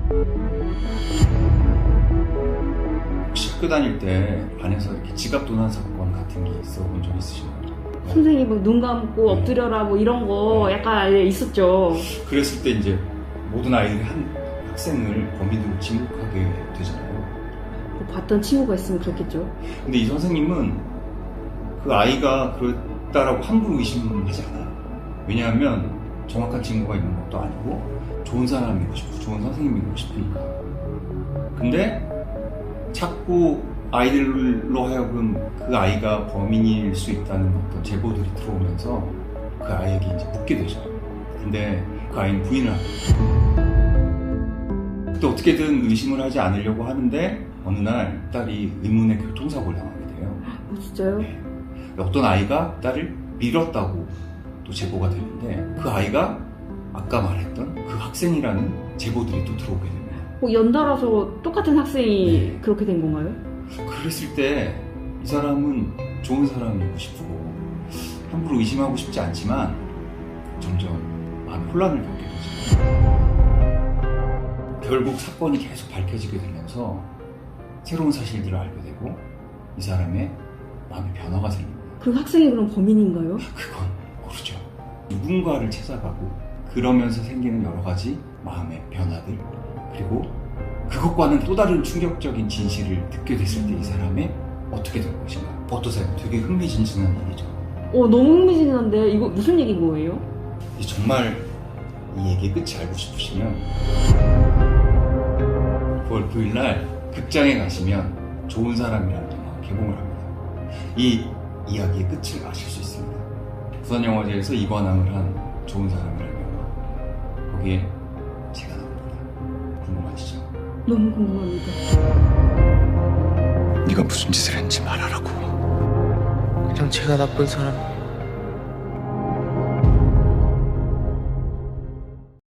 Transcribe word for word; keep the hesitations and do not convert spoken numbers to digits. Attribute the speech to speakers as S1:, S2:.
S1: 혹시 학교 다닐 때 반에서 이렇게 지갑 도난 사건 같은 게 있어 본 적 있으신가요?
S2: 선생님 뭐 눈 감고 엎드려라 뭐 이런 거 약간 있었죠.
S1: 그랬을 때 이제 모든 아이들이 한 학생을 범인으로 지목하게 되잖아요.
S2: 뭐 봤던 친구가 있으면 그렇겠죠.
S1: 근데 이 선생님은 그 아이가 그랬다라고 함부로 의심하지 않아요. 왜냐하면 정확한 증거가 있는 것도 아니고 좋은 사람이고 싶고 좋은 선생님이고 싶으니까. 근데 자꾸 아이들로 하여금 그 아이가 범인일 수 있다는 어떤 제보들이 들어오면서 그 아이에게 이제 묻게 되죠. 근데 그 아이는 부인을 합니다. 또 어떻게든 의심을 하지 않으려고 하는데 어느 날 딸이 의문의 교통사고를 당하게 돼요.
S2: 어, 진짜요?
S1: 네. 어떤 아이가 딸을 밀었다고 또 제보가 되는데 그 아이가 아까 말했던 그 학생이라는 제보들이 또 들어오게 됩니다.
S2: 뭐 연달아서 똑같은 학생이
S1: 네.
S2: 그렇게 된 건가요?
S1: 그랬을 때 이 사람은 좋은 사람이고 싶고 함부로 의심하고 싶지 않지만 점점 마음의 혼란을 겪게 되죠. 결국 사건이 계속 밝혀지게 되면서 새로운 사실들을 알게 되고 이 사람의 마음의 변화가 생깁니다.
S2: 그 학생이 그럼 범인인가요?
S1: 그건 모르죠. 누군가를 찾아가고 그러면서 생기는 여러 가지 마음의 변화들, 그리고 그것과는 또 다른 충격적인 진실을 듣게 됐을 때 이 사람의 어떻게 될 것인가. 어떠세요? 되게 흥미진진한 얘기죠.
S2: 어 너무 흥미진진한데 이거 무슨 얘기인 거예요?
S1: 정말 이 얘기의 끝이 알고 싶으시면 구월 구일 날 극장에 가시면 좋은 사람이라는 영화 개봉을 합니다. 이 이야기의 끝을 아실 수 있습니다. 부산영화제에서 이관왕을 한 좋은 사람이라는 영화, 거기에 제가 나옵니다. 궁금하시죠?
S2: 너무 궁금합니다.
S1: 네가 무슨 짓을 했는지 말하라고.
S3: 그냥 제가 나쁜 사람